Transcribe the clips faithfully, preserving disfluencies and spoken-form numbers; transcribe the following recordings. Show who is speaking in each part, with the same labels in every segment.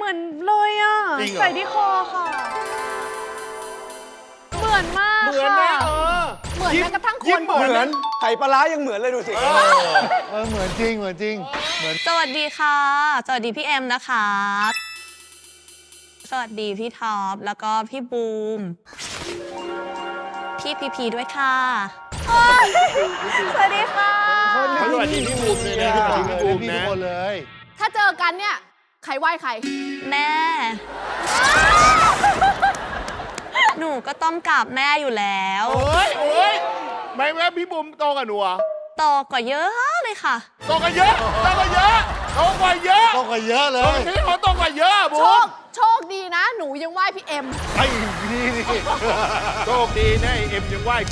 Speaker 1: มือนเลยอ่ะใส่ที่คอค่ะเหมือนมากเหมือนนะเออเหมือนแม้กระทั่งคนเหมือน
Speaker 2: ไข่ปลาร้ายังเหมือนเลยดูสิ
Speaker 3: เออเหมือนจริงเหมือนจริงเหมือน
Speaker 4: สวัสดีค่ะสวัสดีพี่เอ็มนะคะสวัสดีพี่ท็อปแล้วก็พี่บูมพี่พีพีด้วยค่ะ
Speaker 1: สวัสดีค่ะ
Speaker 5: สวัสดีพี่บูมเลยนะสวัสดีพี่บูมนะ
Speaker 3: เลย
Speaker 1: ถ้าเจอกันเนี่ยใครไหว้ใคร
Speaker 4: แม่หนูก็ต้องกราบแม่อยู่แล้ว
Speaker 5: โอ้ยโอ้ยไม่แม่พี่บูมโตกับหนูอ่ะ
Speaker 4: โตกว่าเยอะเลยค่ะ
Speaker 5: โตกันเยอะโตกันเยอะโตกว่าเยอะ
Speaker 3: โตกว่าเยอะเลย
Speaker 5: นี่เขาโตกว่าเยอะบูม
Speaker 1: โชคดีนะหนูยังไหว้พี่เอ็ม
Speaker 3: ไอ้พี่นี่
Speaker 5: โชคดีนะเอ็มยังไหว้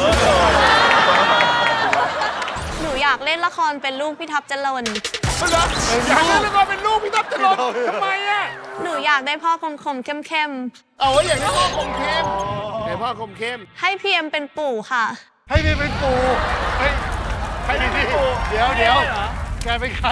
Speaker 4: หนูอยากเล่นละครเป็นลูกพี่ท็อปจรน
Speaker 5: เหรออยากเล่นละครเป็นลูกพี่ท็อปจรนทำไมอ่ะ
Speaker 4: หนูอยากได้พ่อคมคมเข้มเข้ม
Speaker 5: เอาไว้อย่างนี้พ่อคมเข้มไอ้พ่อคมเข้ม
Speaker 4: ให้พี่เอ็มเป็นปู่ค่ะ
Speaker 3: ให้พี่เป็นปู่ให้ให้พี่ปู่เดี๋ยวเดี๋ยวแกเป็นใคร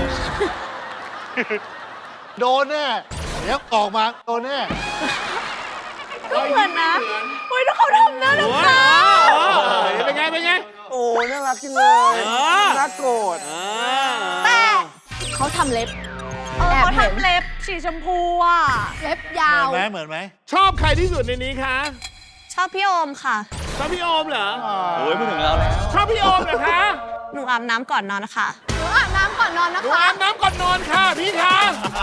Speaker 3: โดนแน่เดี๋ยวออกมาโดนแน่
Speaker 1: ก็เหมือนนะอุ้ยแล้วเขาทำนะน้ำตา
Speaker 5: เป็นไงเป็นไง
Speaker 2: โอ้น่ารักจริงเลยน่าโกรธ
Speaker 1: แต่เขาทำเล็บแอบทำเล็บสีชมพูอ่ะเล็บยาว
Speaker 3: เหมือนไหมเหมือนไหม
Speaker 5: ชอบใครที่สุดในนี้คะ
Speaker 4: ชอบพี่โอมค่ะ
Speaker 5: ชอบพี่โอมเหรอ
Speaker 2: โอ้ยพูดถึงเราแล้ว
Speaker 5: ชอบพี่โอมเหรอคะ
Speaker 4: หนูอาบน้ำก่อนนอนนะคะ
Speaker 1: หนูอาบน้ำก่อนนอนนะคะ
Speaker 5: หนูอาบน้ำก่อนนอนค่ะพี่คะ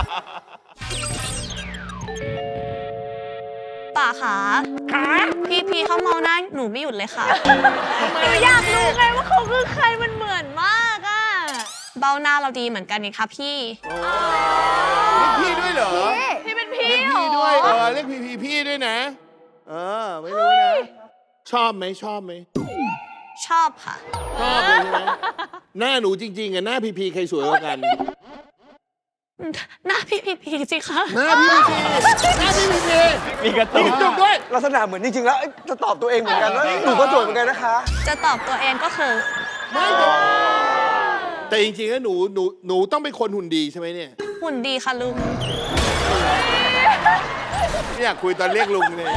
Speaker 4: ป่าขา
Speaker 5: ขา
Speaker 4: พี่พีเขามองหน้าหนูไม่หยุดเลยค่ะ
Speaker 1: หนูอยากรู้ไงว่าเขาคือใครมันเหมือนมากอ่ะ
Speaker 4: เบ้าหน้าเราดีเหมือนกันนี่คะพี่
Speaker 5: เรียกพี่ด้วยเหรอ
Speaker 1: พี่เป็นพี่
Speaker 5: เรียกพี่ด้วยเออเรียกพี่พี่พี่ด้วยนะเออไม่รู้นะชอบไหมชอบไหม
Speaker 4: ชอบค่ะ
Speaker 5: ชอบเลยใช่ไหมหน้าหนูจริงๆอะหน้าพีพีใครสวยกว่ากัน
Speaker 4: หน้าพี่พีพีสิคะ
Speaker 5: หน้าพี่พีหน้าพี่พีพี
Speaker 2: มีกระตุ้น
Speaker 5: ด้วย
Speaker 2: ลักษณะเหมือนจริงๆแล้วจะตอบตัวเองเหมือนกันว่าหนูก็สวยเหมือนกันนะคะ
Speaker 4: จะตอบตัวเองก็คือ
Speaker 5: ไม่แต่จริงๆแล้วหนูหนูหนูต้องเป็นคนหุ่นดีใช่ไหมเนี่ย
Speaker 4: หุ่นดีค่ะลุง
Speaker 5: ไม่อยากคุยตอนเรียกลุงเลย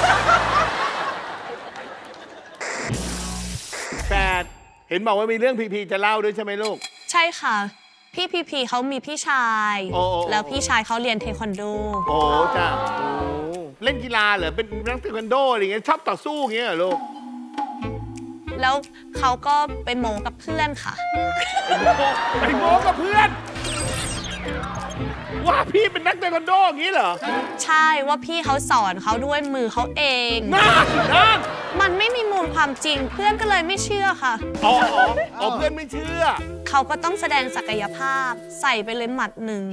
Speaker 5: แปดเห็นบอกว่ามีเรื่องพีพีจะเล่าด้วยใช่ไหมลูก
Speaker 4: ใช่ค่ะพี่พีพีเขามีพี่ชายแล้วพี่ชายเขาเรียนเทควันโด
Speaker 5: โอ้จ้าเล่นกีฬาเหรอเป็นนักเทควันโดอะไรเงี้ยชอบต่อสู้เงี้ยเหรอลูก
Speaker 4: แล้วเขาก็ไปโม้กับเพื่อนค่ะ
Speaker 5: ไปโม้กับเพื่อนว่าพี่เป็นนักเทควันโดอย่างนี้เหรอ
Speaker 4: ใช่ว่าพี่เขาสอนเขาด้วยมือเขาเอง
Speaker 5: นั่นนั่น
Speaker 4: มันไม่มีมูลความจริงเพื่อนก็เลยไม่เชื่อค่ะ
Speaker 5: อ๋ออ๋อเพื่อนไม่เชื่อ
Speaker 4: เขาก็ต้องแสดงศักยภาพใส่ไปเลยหมัดหนึ่ง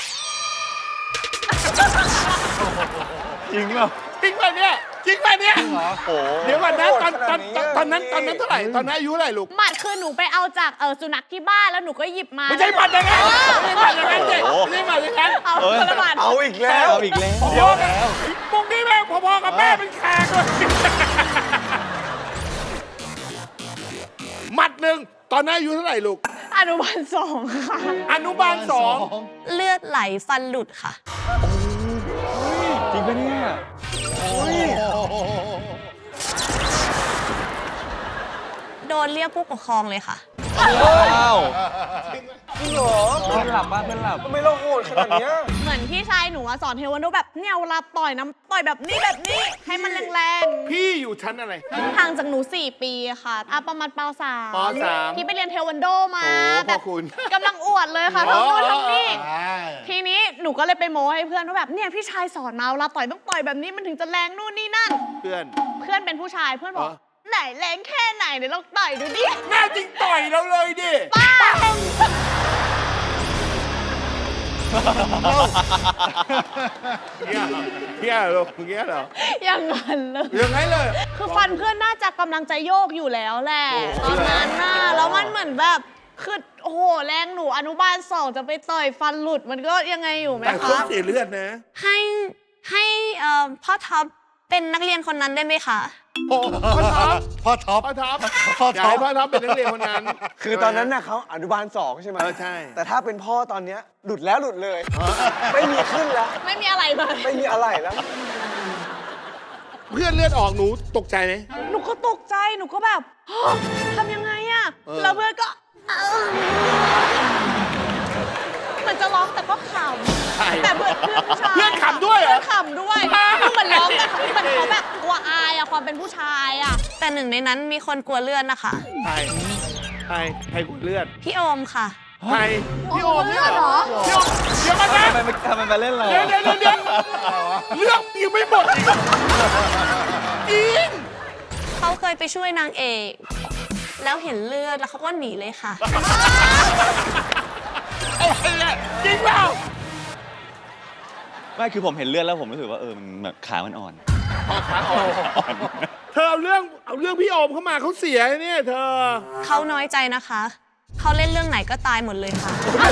Speaker 2: จริงเหรอ
Speaker 5: จริงป่ะเนี่ยจริงป่ะเนี่ย
Speaker 2: โอ้
Speaker 5: เดี๋ยวก่อนนะตอนตอนตอนนั้นตอนนั้นเท่าไหร่ตอนนั้นอายุเท่าไหร่ลูก
Speaker 1: หมัดคือหนูไปเอาจากเออสุนัขที่บ้านแล้วหนูก็หยิบมา
Speaker 5: ไม่ใช่หมัดอย่างนั้นไม่ใช่หมัดอย่างนั้นสิไม่ใช่หมัดอย่างนั้น
Speaker 1: เอาคนละหมัด
Speaker 2: เอาอีกแล้วเอาอีกแล้ว
Speaker 5: เดี๋ยวแล้วปุ๊กนี่แม่พอๆกับแม่เป็นแขกเลยหมัดหนึ่งตอนนั้นอายุเท่าไหร่ลูก
Speaker 1: อนุบาลสองค่ะ
Speaker 5: อนุบาลสอง
Speaker 4: เลือดไหลฟันหลุดค่ะ
Speaker 2: จริงปะเนี่ย
Speaker 4: โดนเรียกผู้ปกครองเลยค่ะ
Speaker 2: ว้าวจริงเหรอเพื่อนหลับบ้านเพื่อนหลับทำไมเราโหดขนาดนี้
Speaker 1: เหมือนพี่ชายหนูสอนเทควันโดแบบเนี่ยเวลาต่อยน้ำต่อยแบบนี้แบบนี้ให้มันแรง
Speaker 5: ๆพี่อยู่ชั้นอะไร
Speaker 1: ห่างจากหนูสี่ปีค่ะอ่ะประมาณป.สาม
Speaker 5: ป.สาม
Speaker 1: พี่ไปเรียนเทควันโดมา
Speaker 5: แบบคุณ
Speaker 1: กำลังอวดเลยค่ะทำโน่นทำนี่ทีนี้หนูก็เลยไปโม้ให้เพื่อนว่าแบบเนี่ยพี่ชายสอนมาเวลาต่อยต้องต่อยแบบนี้มันถึงจะแรงนู่นนี่นั่น
Speaker 5: เพื่อน
Speaker 1: เพื่อนเป็นผู้ชายเพื่อนบอกไหนแรงแค่ไหนเดี๋ยวลองต่อยดูดิ
Speaker 5: แม่จริงต่อยเราเลยดิ
Speaker 1: ป้า
Speaker 5: เงี้ยเงี้ยเหรอเงี้ยเหรอ
Speaker 1: อย่างนั้นเลย
Speaker 5: อย่างไรเลย
Speaker 1: คือฟันเพื่อนน่าจะกำลังจะโยกอยู่แล้วแหละตอนนั้นน่ะแล้วมันเหมือนแบบคือโอ้โหแรงหนูอนุบาลสองจะไปต่อยฟันหลุดมันก็ยังไงอยู่ไหมคะ
Speaker 5: แต่เขาเสียเลือดนะ
Speaker 4: ให้ให้พ่อท็อปเป็นนักเรียนคนนั้นได้ไหมคะ
Speaker 5: โอ้พ่อท็อป
Speaker 3: พ่อท็อป
Speaker 5: พ่อท็อป
Speaker 3: พ่อ
Speaker 5: อยาก
Speaker 3: ท็อป
Speaker 5: ให้พ่อท็อปเป็นนักเรียนคนนั้น
Speaker 2: คือตอนนั้นน่ะเขาอนุบาลสองใช่ไหม
Speaker 5: เออใช่
Speaker 2: แต่ถ้าเป็นพ่อตอนเนี้ยหลุดแล้วหลุดเลย ไม่มีขึ้นแล้ว
Speaker 1: ไม่มีอะไรเลย
Speaker 2: ไม่มีอะไรแล้ว
Speaker 5: เพื่อนเลือดออกหนูตกใจไหม
Speaker 1: หนูก็ตกใจ หนูก็แบบ ทำยังไงอะ
Speaker 5: เออ
Speaker 1: แล้วเพื่อนก็เหมือนจะร้องแต่ก็ขำแต่เพื่อนเพื่อนผู้ชาย
Speaker 5: เพื่อนขำด้วยเหร
Speaker 1: เพื่
Speaker 5: อ
Speaker 1: อนขำด้วยคือเหมือนร้องแต่เขาเหมือนเขาแบบกลัวอายอะความเป็นผู้ชายอะ
Speaker 4: แต่หนึ่งในนั้นมีคนกลัวเลือดนะคะ
Speaker 5: ใครใครใครกูเลือด
Speaker 4: พี่โอมค่ะ
Speaker 5: ใครพี่โอมเนี่ยเหรอ
Speaker 1: โ
Speaker 5: พี่โอมเดี๋ยวมานะ
Speaker 2: ทำไมทำไมมาเล่นเรา
Speaker 5: เดี๋ยวเดี๋ยวเดี๋ยวเดี๋ยวเรื่องยังไม่หมดอีกจริง
Speaker 4: เขาเคยไปช่วยนางเอก แล้วเห็นเลือดแล้วเขาก็หนีเลยค่ะ
Speaker 5: อะไรเนี่ยจริงเปล่า
Speaker 6: ไม่คือผมเห็นเลือดแล้วผมรู้สึกว่าเออมันแบบขามันอ่อน
Speaker 5: ขาอ่อนเธอเอาเรื่องเอาเรื่องพี่โอมเข้ามาเขาเสียเนี่ยเธอ
Speaker 4: เขาน้อยใจนะคะ เขาเล่นเรื่องไหนก็ตายหมดเลยค่ะ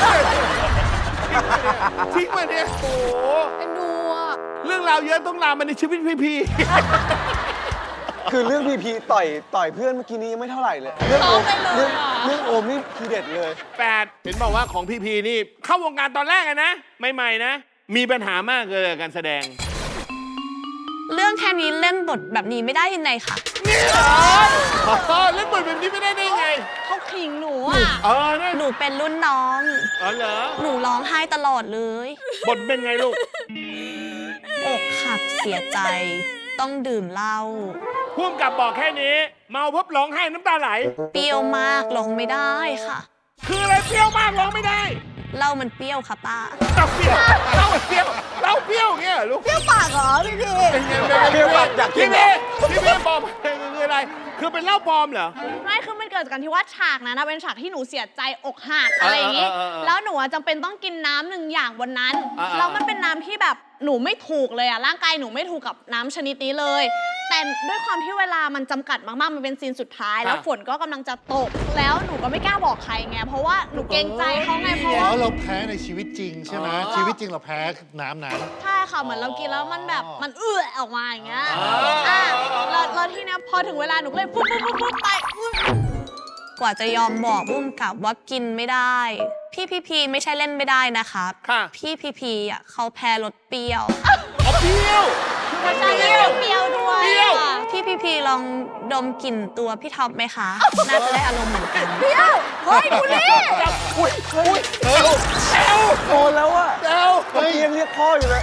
Speaker 5: ทิ้งมาเนี่ยโอ้โห
Speaker 1: เป็นดูอะ
Speaker 5: เรื่องราวเยอะต้องลามมาในชีวิตพี่พี่
Speaker 2: คือเรื่องพีพีต่อยต่อยเพื่อนเมื่อกี้นี้ยังไม่เท่าไหร่เลย เรื่องโอมเรื่องเรื่องโอมนี่ทีเด็ดเลย
Speaker 5: แปดเห็นบอกว่าของพี่พีนี่เข้าวงการตอนแรกอะนะใหม่ๆนะ มีปัญหามากเลยกับการแสดง
Speaker 4: เรื่องแค่นี้เล่นบทแบบนี้ไม่ได้ยังไงค่ะ
Speaker 5: นี่เหรออ๋อเล่นบทแบบนี้ไม่ได้ได้ไง
Speaker 1: เขาขิงหนูอะ
Speaker 5: เออนะ
Speaker 4: หนูเป็นรุ่นน้อง
Speaker 5: อ๋อเหรอ
Speaker 4: หนูร้องไห้ตลอดเลย
Speaker 5: บทเป็นไงลูก
Speaker 4: อกหักเสียใจ ต้องดื่มเหล้า
Speaker 5: พ่วงกับบอกแค่นี้ เมาพบร้องไห้น้ำตาไหล
Speaker 4: เปรี้ยวมากร้องไม่ได้ค่ะ
Speaker 5: คืออะไรเปรี้ยวมากร้องไม่ได้
Speaker 4: เหล้ามันเปรี้ยวค่ะป้า
Speaker 5: เราเปรี้ยวเราเปรี้ยวเราเปรี้ยวอย่างเงี้ยเหรอลูก
Speaker 1: เปรี้ยวปากเหรอพี่พี่
Speaker 5: เป็นไงเป็นไง
Speaker 2: เปรี้ยวปากอยากกิน
Speaker 5: พี่พี่พี่พี่บอกคืออะไร คือเป็นเหล้าปลอมเหรอ
Speaker 1: ไม่คือมันเกิดจากการที่ว่าฉากนั้นนะเป็นฉากที่หนูเสียใจอกหักอะไรอย่างงี้
Speaker 5: เออเออเออเออ
Speaker 1: แล้วหนูอะจำเป็นต้องกินน้ำหนึ่งอย่างวันนั้น
Speaker 5: เออเออ
Speaker 1: แล้วมันเป็นน้ำที่แบบหนูไม่ถูกเลยอะร่างกายหนูไม่ถูกกับน้ำชนิดนี้เลย แต่ด้วยความที่เวลามันจำกัดมากๆ มันเป็นซีนสุดท้าย แล้วฝนก็กำลังจะตก แล้วหนูก็ไม่กล้าบอกใครไง เพราะว่าหนูเกรงใจเขาไง เพราะ
Speaker 3: อ๋
Speaker 1: ว่า
Speaker 3: อเราแพ้ในชีวิตจริงใช่ไหม
Speaker 5: อ๋อ
Speaker 3: ชีวิตจริงเราแพ้น้ำนั้น
Speaker 1: ใช่ค่ะ เหมือนเรากินแล้วมันแบบ
Speaker 3: อ๋อ
Speaker 1: มันเอื้อออกมาอย่างเงี้ย
Speaker 5: อ๋ออ่
Speaker 1: อ่ะแล้วแล้วทีเนี้ยพอถึงเวลาหนูก็เลยปุ๊บปุ๊บปุ๊บปุ๊บไปอุ๊ย
Speaker 4: กว่าจะยอมบอกบุ้มกับว่ากินไม่ได้ พี่พีพีไม่ใช่เล่นไม่ได้นะคะ
Speaker 5: ค่ะ
Speaker 4: พี่พีพีอ่ะเขาแพ้รสเปรี้ยว
Speaker 5: เอาเปรี้ยว
Speaker 1: ไม่ใช่เปรี้ยวเปรี้ยวด้วย
Speaker 5: เปรี้ยว
Speaker 1: ค่ะ
Speaker 4: พี่พีพีลองดมกลิ่นตัวพี่ท็อปไหมคะ น่าจะได้อารมณ์เหมือนกัน
Speaker 1: เปรี้ยว เฮ้ยคุณนี่
Speaker 5: อุ้ยอุ้ยเอวเอว
Speaker 2: โดนแล้วอะ
Speaker 5: เอว
Speaker 2: เมื่อกี้ยังเรียกพ่ออยู่เลย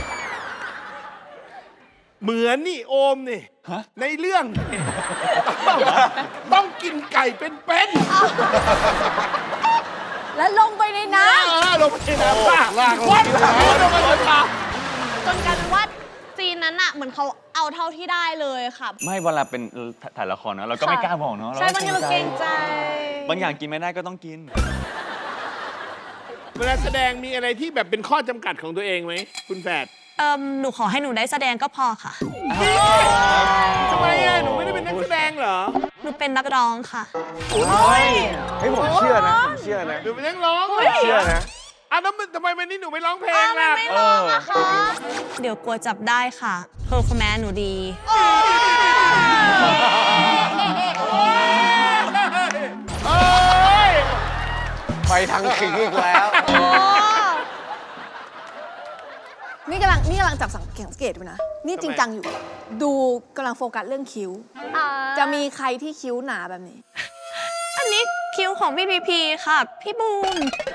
Speaker 5: เหมือนนี่โอมนี่
Speaker 6: ฮะ
Speaker 5: ในเรื่องต้องต้องกินไก่เป็นเป็น
Speaker 1: แล้วลงไปในน้
Speaker 5: เออลงไปในน้ำป่ะ
Speaker 3: ลากลง
Speaker 5: วัด
Speaker 3: ไปในน้ำ
Speaker 5: ลงไปในน้ำ
Speaker 1: ำจนกลายเป็นว่าซีนนั้นอะเหมือนเขาเอาเท่าที่ได้เลยค่ะ
Speaker 6: ไม่เวลาเป็นถ่ายละครเนอะเราก็ไม่กล้าบอกเนาะ
Speaker 1: ใช่บางทีเราเกรงใจ
Speaker 6: บางอย่างกินไม่ได้ก็ต้องกิน
Speaker 5: เวลาแสดงมีอะไรที่แบบเป็นข้อจำกัดของตัวเองไหมคุณแฝด
Speaker 4: เอิมหนูขอให้หนูได้แสดงก็พอค่ะ
Speaker 5: ทำไมอ่ะหนูไม่ได้เป็นนักแสดงเหรอ
Speaker 4: หนูเป็นนักร้องค่ะ
Speaker 2: เฮ้ยผมเชื่อนะผมเชื่อนะ
Speaker 5: หนูเป็นนักร้องเหรอ
Speaker 2: เชื่อนะ
Speaker 5: อ่ะแล้วมันทำไมวันนี้หนูไม่ร้องเพลง
Speaker 1: อ้าวมัน
Speaker 5: ล่ะ
Speaker 1: ไม่ร้องอะคะ
Speaker 4: เดี๋ยวกลัวจับได้ค่ะเพอร์ฟอร์แมนซ์หนูดี
Speaker 5: เอ้ย
Speaker 2: ไปทางขิงอีกแล้ว
Speaker 1: โอ้
Speaker 7: นี่กำลังนี่กำลังจับสังเกตดูนะ นี่จริงจังอยู่ ดูกำลังโฟกัสเรื่องคิ้ว
Speaker 1: อ่า
Speaker 7: จะมีใครที่คิ้วหนาแบบนี้
Speaker 4: อันนี้คิวของพี่พีพีค่ะ พี่บูม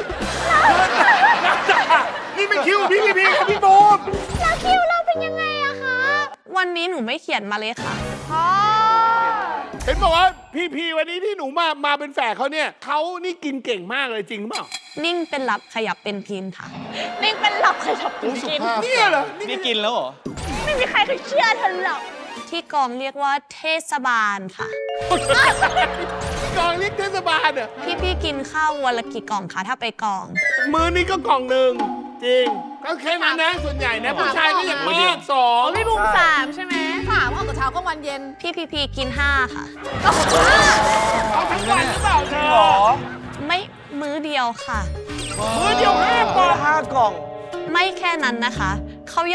Speaker 5: นี่ไม่คิวพี่พี่พี่กับพี่บูม
Speaker 1: แล้วคิวเราเป็นยังไงอะคะ
Speaker 4: วันนี้หนูไม่เขียนมาเลยค่ะ
Speaker 1: พ่อ
Speaker 5: เห็นบอกว่าพี่พี่วันนี้ที่หนูมามาเป็นแฝดเขาเนี่ยเขานี่กินเก่งมากเลยจริงเปล่า
Speaker 4: นิ่งเป็นหลับขยับเป็นพินค่ะ
Speaker 1: นิ่งเป็นหลับใครจะกิน
Speaker 3: สุ
Speaker 1: กิน
Speaker 3: ภาพ
Speaker 5: เนี่ยเหรอนี่
Speaker 6: นี่กินแล้วเหรอ
Speaker 1: ไม่มีใครเคยเชื่อเธอหรอก
Speaker 4: ที่กองเรียกว่าเทศบาลค่ะ
Speaker 5: กองเรียกเทศบาลอ่ะ
Speaker 4: พี่พี่กินข้าววันละกี่กล่องคะถ้าไปกอง
Speaker 5: มือนี่ก็กล่องหนึ่งจริง ก็แค่นั้นนะ ส่วนใหญ่นะผู้ชายก็อย่างมากสอง
Speaker 1: พี่บูมสามใช่ไหม
Speaker 7: ถามว่ากับเช้าก็วันเย็น
Speaker 4: พี่พีพีกินห้าค่ะ
Speaker 5: เอาทั้งวันหรือเปล่าเธอ
Speaker 2: หรอ
Speaker 4: ไม่มื้อเดียวค่ะ
Speaker 5: มือเดียวห้ากล่อง
Speaker 2: ห้ากล่อง
Speaker 4: ไม่แค่นั้นนะคะ เขายัง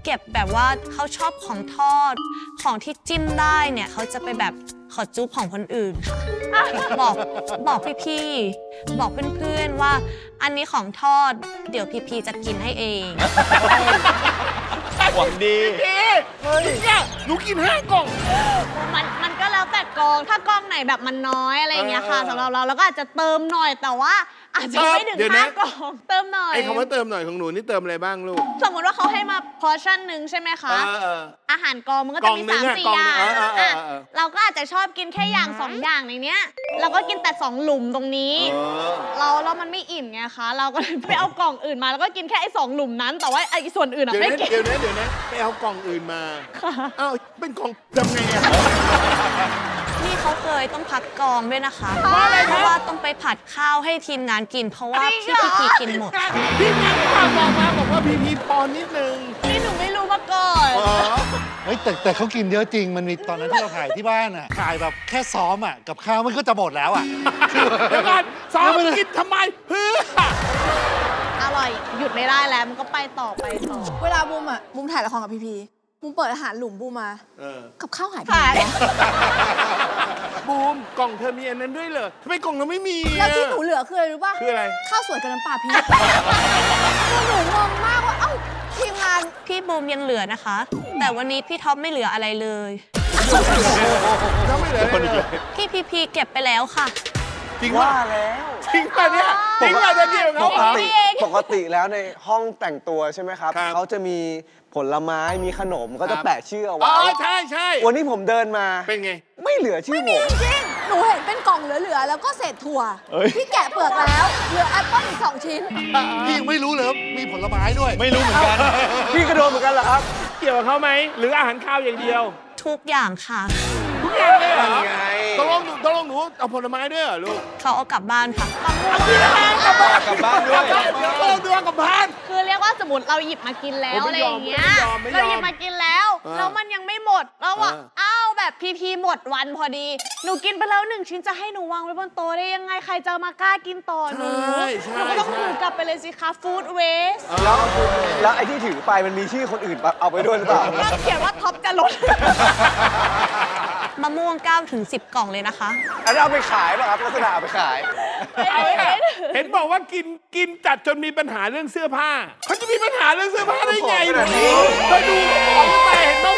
Speaker 4: เก็บแบบว่าเขาชอบของทอด ของที่จิ้มได้เนี่ยเขาจะไปแบบขอจุ๊บของคนอื่นค่ะบอกบอกพี่ๆบอกเพื่อนๆว่าอันนี้ของทอด เดี๋ยวพี่ๆจะกินให้เอง
Speaker 6: หวังดี
Speaker 5: พี่เนี่ยหนูกินห้ากล่อง
Speaker 1: มันมันก็แล้วแต่กอง ถ้ากองไหนแบบมันน้อยอะไรอย่างเงี้ยค่ะ
Speaker 5: เออ
Speaker 1: สำหรับเราเราก็อาจจะเติมหน่อยแต่ว่าอาจจะไม่ถึง
Speaker 5: เดี๋ยวนะ
Speaker 1: ห้ากอง เติมหน่อย
Speaker 5: ไอ้คำว่าเติมหน่อยของหนูนี่เติมอะไรบ้างลูก
Speaker 1: สมมติว่าเขาให้มาพอชั่นหนึ่งใช่ไหมคะ
Speaker 5: เออเออ
Speaker 1: อาหารกองมันก็
Speaker 5: ก
Speaker 1: จะ
Speaker 5: ล่อง
Speaker 1: มี
Speaker 5: หนึ่
Speaker 1: สาง ม
Speaker 5: อะ
Speaker 1: สี่
Speaker 5: กล่อง
Speaker 1: อ
Speaker 5: หนึ่
Speaker 1: ย่าง ง
Speaker 5: เออเออเออ
Speaker 1: อ่ะ
Speaker 5: เออ
Speaker 1: เราก็อาจจะชอบกินแค่อย่างสองอย่างในเนี้ย เราก็กินแต่สองหลุมตรงนี้
Speaker 5: เออ
Speaker 1: เราแล้วมันไม่อิ่มไงคะ เราก็เลยไปเอากล่องอื่นมาแล้วก็กินแค่ไอ้สองหลุมนั้น แต่ว่าไอ้ส่วนอื่นอะ
Speaker 5: เดี๋ยว
Speaker 1: ไม่
Speaker 5: นะ
Speaker 1: กิน
Speaker 5: เดี๋ยวนะเดี๋ยวนะไปเอากล่องอื่นมาอ้าวเป็นกล่องทำไงอะ
Speaker 4: นี่เขาเคยต้องพักกองด้วยนะคะ
Speaker 1: เพราะอะไรคะ
Speaker 4: เพราะว่าต้องไปผัดข้าวให้ทีมงานกิน เพราะว่า
Speaker 1: จริ
Speaker 4: พี่
Speaker 1: งเหรอ
Speaker 4: พีกินหมด
Speaker 5: พี่งานข่าวบอกมาบอกว่าพีพีปอนนิดนึง
Speaker 1: นี่หนูไม่รู้มาก่อน
Speaker 5: อ๋อ
Speaker 3: เฮ้ยแต่แต่เขากินเยอะจริง มันมีตอนนั้นที่เราถ่ายที่บ้านอ่ะ ถ่ายแบบแค่ซ้อมอ่ะ กับข้าวมันก็จะหมดแล้วอ่ะ
Speaker 5: เดี๋ยวก่อนซ้อมกินทำไมเพื่อ
Speaker 1: อร่อยหยุดไม่ได้แล้วมันก็ไปต่อไปต่อ
Speaker 7: เวลาบูมอ่ะบูมถ่ายละครกับพีพีบูมเปิดอาหารหลุมบูมมา
Speaker 5: เออ
Speaker 7: กับข้าวหายไป
Speaker 1: หาย
Speaker 7: ไหนวะ
Speaker 5: บูมกล่องเธอมีอันนั้นด้วยเหรอทำไมกล่องเราไม่มีอะ
Speaker 7: แล้วที่หนูเหลือคืออะไรรู้ป่ะ
Speaker 5: คืออะไร
Speaker 7: ข้าวสวยกับน้ำปลาพริกคือหนูงงมากว่าเอ้าทีมงาน
Speaker 4: พี่บูมยังเหลือนะคะ แต่วันนี้พี่ท็อปไม่เหลืออะไรเลย
Speaker 5: เราไม่เหลืออะไรเลย
Speaker 4: พี่พีพีเก็บไปแล้วค่ะ
Speaker 5: จริง
Speaker 2: ว่า
Speaker 5: ว่า
Speaker 2: แล้ว
Speaker 5: จริงป่ะเนี่ยจริงป่ะจะเดียว
Speaker 2: ป
Speaker 5: เขา
Speaker 2: ก
Speaker 5: เหรอ
Speaker 2: ติปกติแล้วในห้องแต่งตัวใช่ไหมครับ
Speaker 5: ครับ
Speaker 2: เขาจะมีผลไม้มีขนมก็
Speaker 5: ครั
Speaker 2: จะ
Speaker 5: บ
Speaker 2: แปะชื่อเอา
Speaker 5: อ๋
Speaker 2: ไว้
Speaker 5: อใช่ใช่
Speaker 2: วันนี้ผมเดินมา
Speaker 5: เป็นไง
Speaker 2: ไม่เหลือชื่อผม
Speaker 7: จริงหนูเห็นเป็นกล่องเหลือๆแล้วก็เศษถั่ว
Speaker 6: เอ้ย
Speaker 7: ที่แกะเปลือกแล้ว เหลือแอปเปิ้ลอีกสองชิ้น
Speaker 3: พี่ยังไม่รู้เลยว่ามีผลไม้ด้วย
Speaker 6: ไม่รู้เหมือนกัน
Speaker 2: พี่ก็โดนเหมือนกันเหรอครับ
Speaker 5: เกี่ยวกับเขาไหมหรืออาหารข้าวอย่างเดียว
Speaker 4: ทุกอย่างค่ะ
Speaker 5: ทุกอย่างเลยเหรอ
Speaker 2: นั่นไง
Speaker 5: ตกลงหนูตกลงหนูเอาผลไม้ด้วยเหรอลูก
Speaker 4: เขาเอากลับบ้านค่ะ
Speaker 6: กลับบ้านด้วย
Speaker 5: เดี๋ยวเราดูกับบ้าน
Speaker 1: คือเรียกว่าสมมติเราหยิบมากินแล้ว
Speaker 5: โอ้
Speaker 1: อะไร
Speaker 5: ไม่
Speaker 1: อย
Speaker 5: อม
Speaker 1: ย่างเงี้ย
Speaker 5: ไม่ยอมไม่ยอม
Speaker 1: เราหยิบมากินแล้ว
Speaker 5: เออ
Speaker 1: แล้วมันยังไม่หมดแล้วอ่ะ
Speaker 5: เออ
Speaker 1: อ้าวแบบพีพีหมดวันพอดี หนูกินไปแล้วหนึ่งชิ้นจะให้หนูวางไว้บนโต๊ะได้ยังไงใครจะมากล้ากินต่อหนู
Speaker 5: ใช่ใช่
Speaker 1: หนูก็ต้อง
Speaker 5: ใช่
Speaker 1: ถือกลับไปเลยสิคะฟู้ดเวส
Speaker 2: แล้วแล้วไอ้ที่ถือไปมันมีชื่อคนอื่นปะเอาไปด้วยหรือเปล่า
Speaker 1: ก็เขียนว่าท็อปจะลด
Speaker 4: มะม่วงเก้าถึงสิบกล่องเลยนะคะ
Speaker 2: อันนั้นเอาไปขายป่ะครับลักษณะเอาไปขาย
Speaker 5: เอาไว้เห็นบอกว่ากินกินจัดจนมีปัญหาเรื่องเสื้อผ้าเขาจะมีปัญหาเรื่องเสื้อผ้าได้ไงหนูเธอดูเขาบอกตั้งแต่เห็นไหม